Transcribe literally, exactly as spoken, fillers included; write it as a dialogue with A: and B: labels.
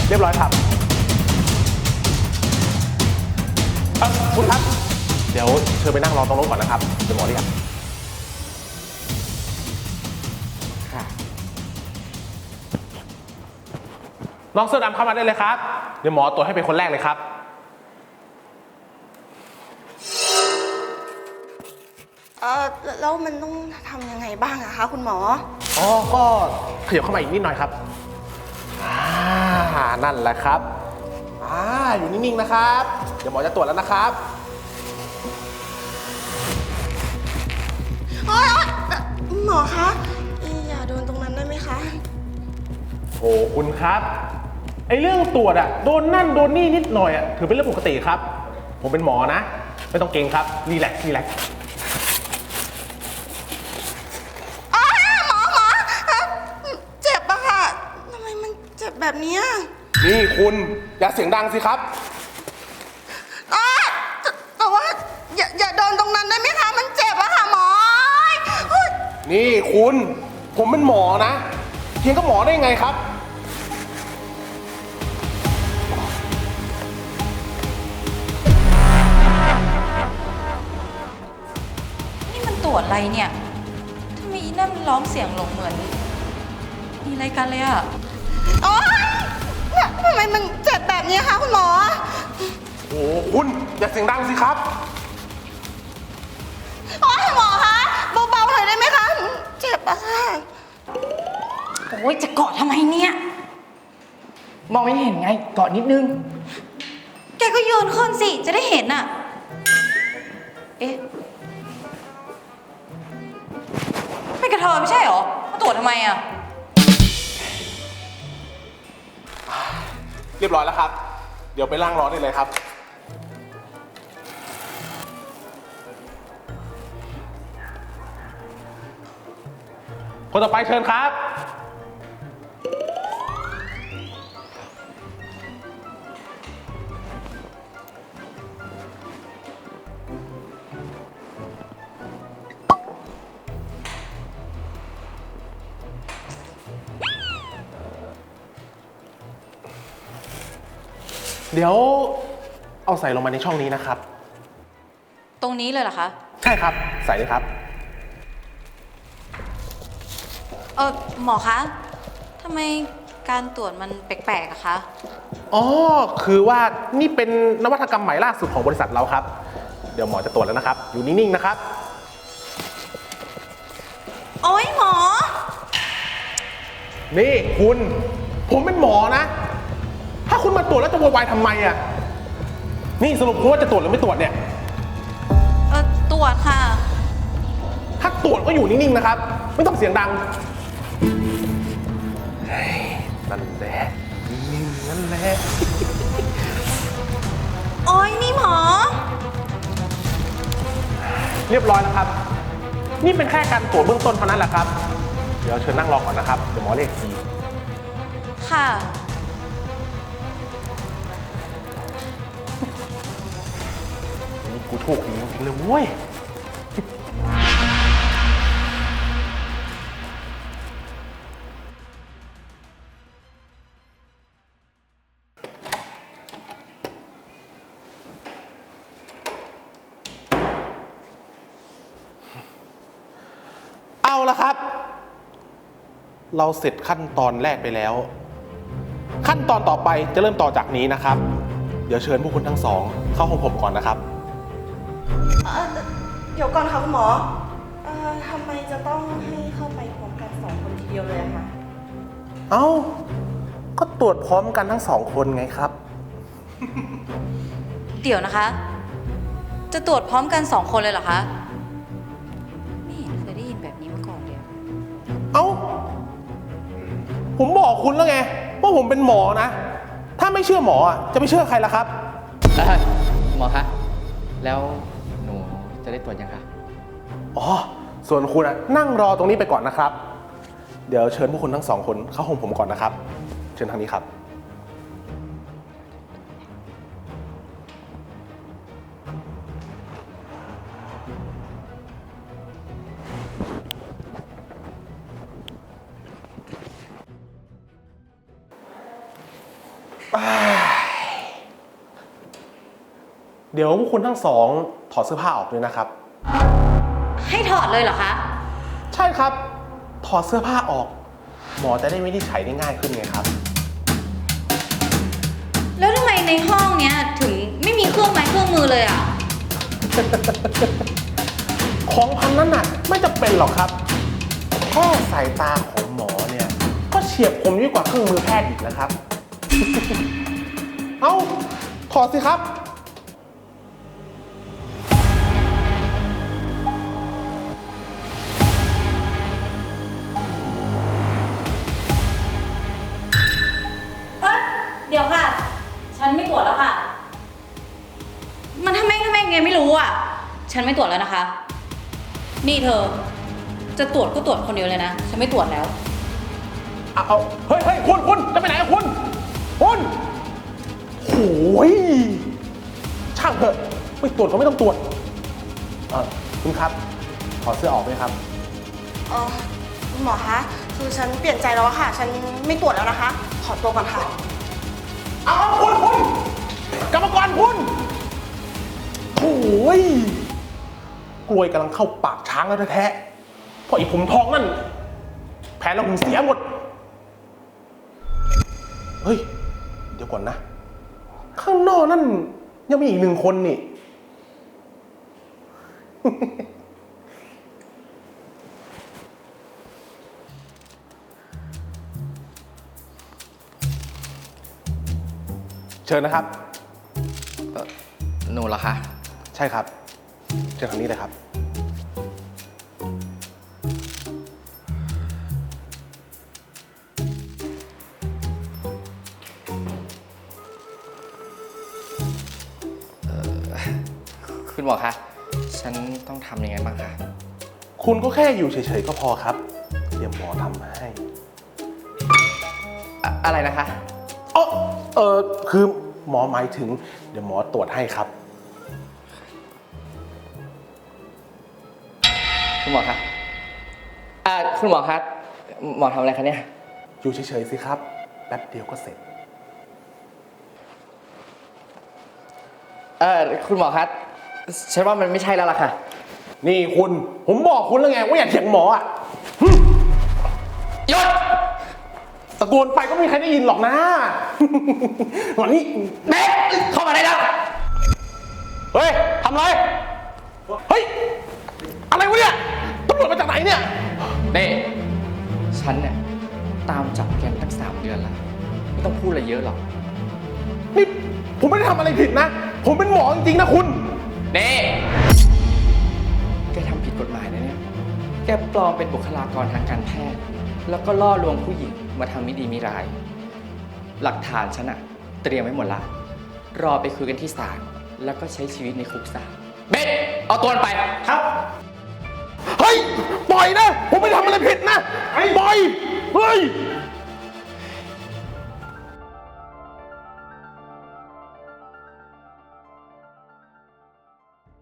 A: เรียบร้อยครับคุณครับเดี๋ยวเชิญไปนั่งรอตรงรถก่อนนะครับเดี๋ยวหมอเรียกค่ะน้องเสื้อดำเข้ามาได้เลยครับเดี๋ยวหมอตรวจให้เป็นคนแรกเลยครับ
B: เออแล้วมันต้องทำยังไงบ้างอะคะคุณหมอ
A: อ๋อก็ขยับเข้ามาอีกนิดหน่อยครับอ่านั่นแหละครับอ่าอยู่นิ่งๆนะครับเดี๋ยวหมอจะตรวจแล้วนะครับ
B: โอ๊ยหมอคะอย่าโดนตรงนั้นได้ไหมคะ
A: โอ้คุณครับไอเรื่องตรวจอะโดนนั่นโดนนี่นิดหน่อยอะถือเป็นเรื่องปกติครับผมเป็นหมอนะไม่ต้องเกรงครับรีแลกซ์รีแลกซ์
B: หมอหมอเจ็บอะค่ะทำไมมันเจ็บแบบนี้
A: นี่คุณอย่าเสียงดังสิครับ
B: แต่ว่าอย่าอย่าโดนตรงนั้นได้ไหมคะมันเจ็บอะค่ะหมอ
A: นี่คุณผมเป็นหมอนะเพียงก็หมอได้ไงครับ
C: นี่มันตรวจอะไรเนี่ยทำไมอีนั่นมันร้องเสียงหลงเหมือนมีอะไรกันเลยอะ
B: โอ๊ยทำไมมันเจ็บแบบนี้คะคุณหมอ
A: โอ้คุณอย่าเสียงดังสิครับ
B: โอ๊ยหมอคะเบาๆหน่อยได้ไหมคะเจ็บอะค่ะ
C: โอ้ยจะเกาะทำไมเนี่ย
D: มองไม่เห็นไงเกาะนิดนึง
C: แกก็โยนขึ้นสิจะได้เห็นอะเอ๊ะไม่กระเทยไม่ใช่หรอมาตรวจทำไมอะ
A: เรียบร้อยแล้วครับเดี๋ยวไปล่างรอได้เลยครับคนต่อไปเชิญครับเดี๋ยวเอาใส่ลงมาในช่องนี้นะครับ
C: ตรงนี้เลยเหรอคะ
A: ใช่ครับใส่เลยครับ
C: เออหมอคะทำไมการตรวจมันแปลกๆอะคะ
A: อ๋อคือว่านี่เป็นนวัตกรรมใหม่ล่าสุดของบริษัทเราครับเดี๋ยวหมอจะตรวจแล้วนะครับอยู่นิ่งๆนะครับ
C: โอ๊ยหมอ
A: นี่คุณผมเป็นหมอนะถ้าคุณมาตรวจแล้วจะโวยวายทำไมอ่ะนี่สรุปคุณว่าจะตรวจหรือไม่ตรวจเนี่ย
C: เออตรวจค่ะ
A: ถ้าตรวจก็อยู่นิ่งๆนะครับไม่ต้องเสียงดังนั่นแหละนิ่งๆนั่นแหละ
C: โอ๊ยนี่หมอ
A: เรียบร้อยแล้วครับนี่เป็นแค่การตรวจเบื้องต้นเท่านั้นแหละครับเดี๋ยวเชิญนั่งรอก่อนนะครับเดี๋ยวหมอเรียกที
C: ค่ะ
A: นี่กูโชคดีจริงๆเลยเว้ยเอาละครับเราเสร็จขั้นตอนแรกไปแล้วขั้นตอนต่อไปจะเริ่มต่อจากนี้นะครับเดี๋ยวเชิญพวกคุณทั้งสองเข้าห้องผมก่อนนะครับ
B: เดี๋ยวก่อนค่ะคุณหมอเอ่อทำไมจะต้องให้เข้าไปพร้อมกันสองคนทีเดียวเลยอะคะ
A: เอ้าก็ตรวจพร้อมกันทั้งสองคนไงครับ
C: เดี๋ยวนะคะจะตรวจพร้อมกันสองคนเลยเหรอคะไม่เห็นเคยได้ยินแบบนี้มาก่อนเลย
A: เอ้าผมบอกคุณแล้วไงว่าผมเป็นหมอนะถ้าไม่เชื่อหมอจะไปเชื่อใครล่ะครับ
D: หมอคะแล้วหนูจะได้ตรวจยังคะ
A: อ๋อส่วนคุณอะนั่งรอตรงนี้ไปก่อนนะครับเดี๋ยวเชิญพวกคุณทั้งสองคนเข้าห้องผมก่อนนะครับเชิญทางนี้ครับ เเดี๋ยวพวกคุณทั้งสองถอดเสื้อผ้าออกด้วยนะครับ
C: ให้ถอดเลยเหรอคะ
A: ใช่ครับ ถอดเสื้อผ้าออก หมอจะได้วินิจฉัยได้ง่ายขึ้นไงครับ
C: แล้วทำไมในห้องเนี้ยถึงไม่มีเครื่องไม้เครื่องมือเลยอ่ะ
A: ของพันนั้นน่ะไม่จะเป็นหรอกครับแค่สายตาของหมอเนี่ยก็เฉียบคมยิ่งกว่าเครื่องมือแพทย์อีกนะครับ เอ้าถอดสิครับ
C: เอ้ยเดี๋ยวค่ะ ฉันไม่ตรวจแล้วค่ะ มันทำไมทำไมไงไม่รู้อ่ะ ฉันไม่ตรวจแล้วนะคะ นี่เธอ จะตรวจก็ตรวจคนเดียวเลยนะ ฉันไม่ตรวจแล้ว
A: เอาเอาเฮ้ยเฮ้ยคุณคุณจะไปไหนอะคุณ คุณโอ้ยช่างเถอะ ไม่ตรวจก็ไม่ต้องตรวจ เออคุณครับ ถอดเสื้อออกไหมครับ
B: เออคุณหมอคะ คือฉันเปลี่ยนใจแล้วอะค่ะ ฉันไม่ตรวจแล้วนะคะ ขอตัวก่อนค่ะ
A: เอาเอาคุณคุณกรรมกรคุณโอ้ยกล้วยกำลังเข้าปากช้างแล้วแท้ๆเพราะไอ้ผมทองนั่น แผลเราผมเสียหมด เฮ้ย เดี๋ยวก่อนนะ ข้างนอกนั่นยังมีอีกหนึ่งคนนี่ เชิญนะครับ
D: เอ่อหนูเหรอคะ
A: ใช่ครับ เชิญทางนี้เลยครับ
D: คุณหมอคะ ฉันต้องทำยังไงบ้างคะ
A: คุณก็แค่อยู่เฉยๆก็พอครับ เดี๋ยวหมอทำให้
D: อะอะไรนะคะ
A: เออเออคือหมอหมายถึง เดี๋ยวหมอตรวจให้ครับ
D: คุณหมอคะอ่าคุณหมอคะหมอทำอะไรคะเนี่ย
A: อยู่เฉยๆสิครับ แป๊บเดียวก็เสร็จ
D: เออคุณหมอคะฉันว่ามันไม่ใช่แล้วล่ะค่ะ
A: นี่คุณ ผมบอกคุณแล้วไงว่าอย่าเถียงหมออ่ะหึ
D: หยุด
A: ตะโกนไปก็ไม่มีใครได้ยินหรอกนะ วันนี้
D: เด็กเข้ามาได้แล้ว
A: เฮ้ยทำไร เฮ้ย อะไรวะเนี่ยตำรวจมาจากไหนเนี่ย
D: นี่ฉันเนี่ยตามจับแกมาตั้งสามเดือนแล้ว ไม่ต้องพูดอะไรเยอะหรอก
A: นี่ผมไม่ได้ทำอะไรผิดนะ ผมเป็นหมอจริงๆนะคุณ
D: นี่แกทำผิดกฎหมายนะเนี่ย แกปลอมเป็นบุคลากรทางการแพทย์ แล้วก็ล่อลวงผู้หญิงมาทำไม่ดีไม่ร้าย หลักฐานฉันอะเตรียมไว้หมดละ รอไปคุยกันที่ศาล แล้วก็ใช้ชีวิตในคุกซะเบ็ดเอาตัวมันไป
A: ครับ เฮ้ย ปล่อยนะ ผมไม่ได้ทำอะไรผิดนะ ปล่อย เฮ้ย